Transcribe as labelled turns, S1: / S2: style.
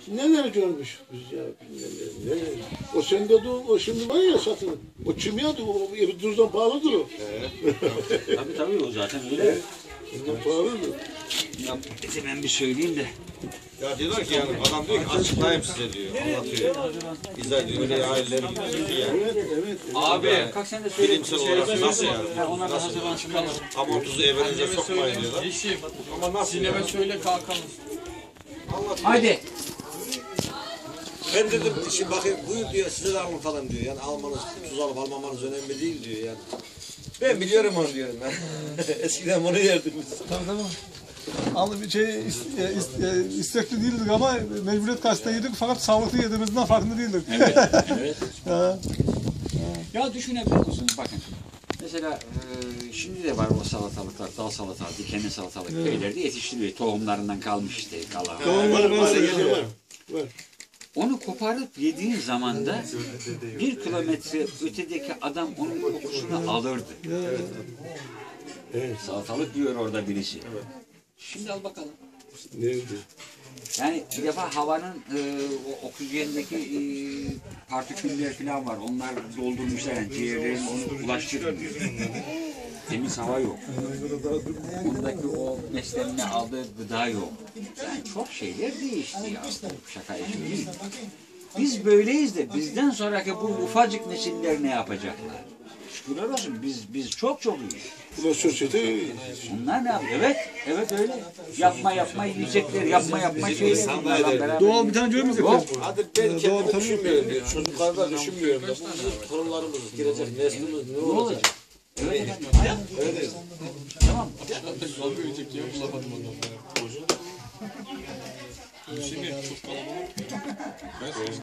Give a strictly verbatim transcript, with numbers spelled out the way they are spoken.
S1: Neler görmüş biz ya. Neler, neler. O sende de o, o şimdi var ya satın. O kimyadı, o Erdoğan'dan pahalıdır o.
S2: Evet. Tabii tabii o zaten öyle.
S1: Ondan pahalıdır.
S2: Ya bize ben bir söyleyeyim de.
S3: Ya diyorlar ki yani adam diyor ki açıklayayım size diyor. Anlatıyor. İzah ediyor. Öyle aileleri gibi yani.
S1: Evet, evet.
S2: Abi. Kalk sen de söyle.
S3: Bilimsel olarak nasıl yani?
S2: Ya ona da hazırlan çıkalım.
S3: Amontuzu evinize sokmayın diyorlar.
S4: Yeşim.
S3: Ama nasıl
S4: Sineme
S3: yani?
S4: söyle kalkalım.
S3: Anlatıyor.
S2: Hadi.
S3: Ben dedim şimdi bakayım buyur diyor size de alın falan diyor. Yani almanız, tuz alıp almamanız önemli değil diyor yani. Ben biliyorum onu diyorum ben. Eskiden bunu yerdim biz.
S5: Tabii tabii. Al bir şey is- e, is- e, istekli değildik ama mecburiyet karşısında yedik fakat sağlıklı yediğimizden farkında değildik.
S2: Evet. Evet.
S5: Ha.
S2: Ya düşünebiliyor musunuz? Bakın. Mesela e, şimdi de var o salatalıklar, dal salatalık, dikenli salatalık köylerde yetiştiriliyor. Tohumlarından kalmış işte kalan.
S1: Var, var, var, var. Var.
S2: Onu koparıp yediğin zaman da bir kilometre ötedeki adam onun kokusunu alırdı.
S1: Evet.
S2: Salatalık diyor orada birisi. Şimdi al bakalım.
S1: Neydi?
S2: Yani bir defa havanın e, o oksijendeki e, partiküller falan var. Onlar doldurmuşlar yani ciğerlerin onu ulaştırmıyor. Temiz hava yok. Ondaki o beslenme aldığı gıda yok. Yani çok şeyler değişti ya. Şaka işi değil. Biz böyleyiz de bizden sonraki bu ufacık nesiller ne yapacaklar? Şükürler olsun biz biz çok çok iyiyiz.
S1: Bu sosyete
S2: Bunlar ne yapıyor? Evet, evet öyle. Yapma yapma yiyecekler, yapma yapma şeyler. Bunlarla beraber.
S5: Doğal bir tane görmüyor
S2: Yok.
S5: musun?
S3: Hadi ben kendimi düşünmüyorum diyor. Çocukları da düşünmüyorum da. Bu bizim torunlarımız, gelecek neslimiz ne olacak?
S2: Evet efendim.
S3: Öyle.
S2: Tamam.
S4: Zor büyüyecek ya bulamadım onu. Şimdi çok kalabalık.